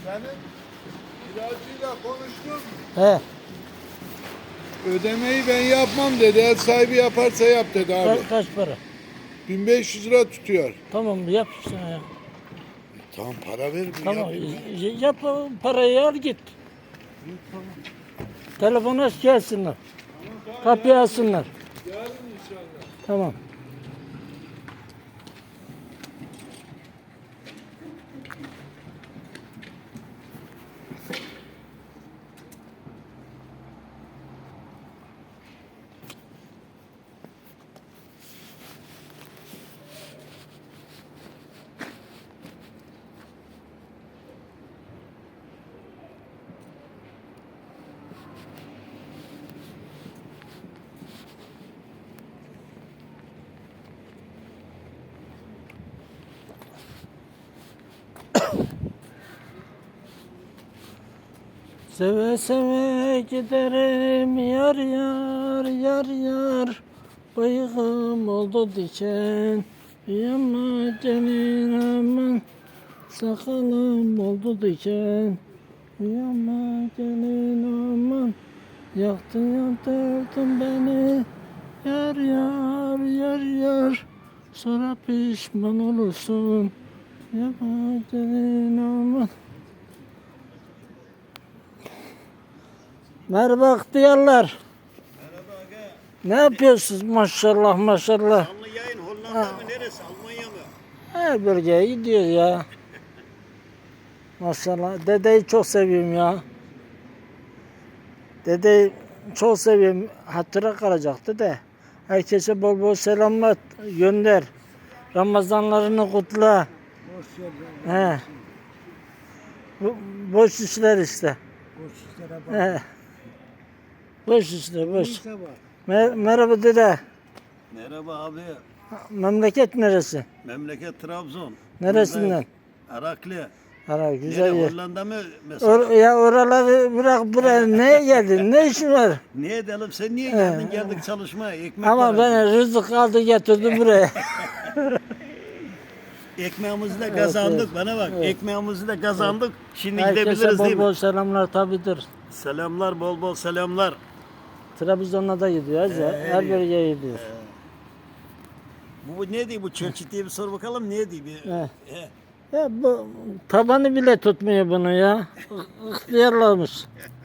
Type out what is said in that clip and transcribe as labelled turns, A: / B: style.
A: Senin kiracıyla konuştun mu?
B: He.
A: Ödemeyi ben yapmam dedi. Ev sahibi yaparsa yap dedi abi.
B: Kaç para?
A: 1500 lira tutuyor.
B: Tamam yap işte ya.
A: Tamam para ver.
B: Tamam
A: Yap.
B: yap parayı al git. Telefonu aç gelsinler. Kapıyı alsınlar.
A: Yarın inşallah.
B: Tamam. Seve seve giderim yar yar yar yar. Bıyığım oldu diken. Yama gelin aman. Sakalım oldu diken. Yama gelin aman. Yaktın yandırdın beni. Yar yar yar yar. Sonra pişman olursun. Yama gelin aman. Merhaba ihtiyarlar.
C: Merhaba aga.
B: Ne yapıyorsunuz maşallah maşallah.
C: Canlı yayın Hollanda mı neresi? Almanya mı?
B: Her bölgeye gidiyor ya. Maşallah. Dedeyi çok seviyorum ya. Dedeyi çok seviyorum. Hatıra kalacaktı da. Herkese bol bol selamlar gönder. Ramazanlarını kutla. He. Boş işler işte.
D: Boş işlere bak.
B: He. Boş işler boş.
D: Neyse var.
B: Merhaba dede.
C: Merhaba abi.
B: Memleket neresi?
C: Memleket Trabzon.
B: Neresinden?
C: Araklı.
B: Ara güzel
C: Nere,
B: yer.
C: Hollanda mı mesela?
B: Ya oraları bırak buraya neye geldin? Ne işin var?
C: Niye edelim? Sen niye geldin? Geldik çalışmaya. Ekmek
B: Ama
C: parası.
B: ben rızık aldı getirdim buraya.
C: Ekmeğimizi de kazandık.
B: evet.
C: Bana bak.
B: Evet.
C: Ekmeğimizi de kazandık. Şimdi
B: Herkese
C: gidebiliriz
B: bol
C: değil mi?
B: bol selamlar tabidir.
C: Selamlar, bol bol selamlar.
B: Trabzon'a da gidiyoruz ya. Her bölgeye gidiyoruz.
C: Bu ne diyor? Bu çelçit diye bir sor bakalım. Ne diyor?
B: He.
C: He.
B: Ya bu tabanı bile tutmuyor bunu ya. İhtiyarlamış.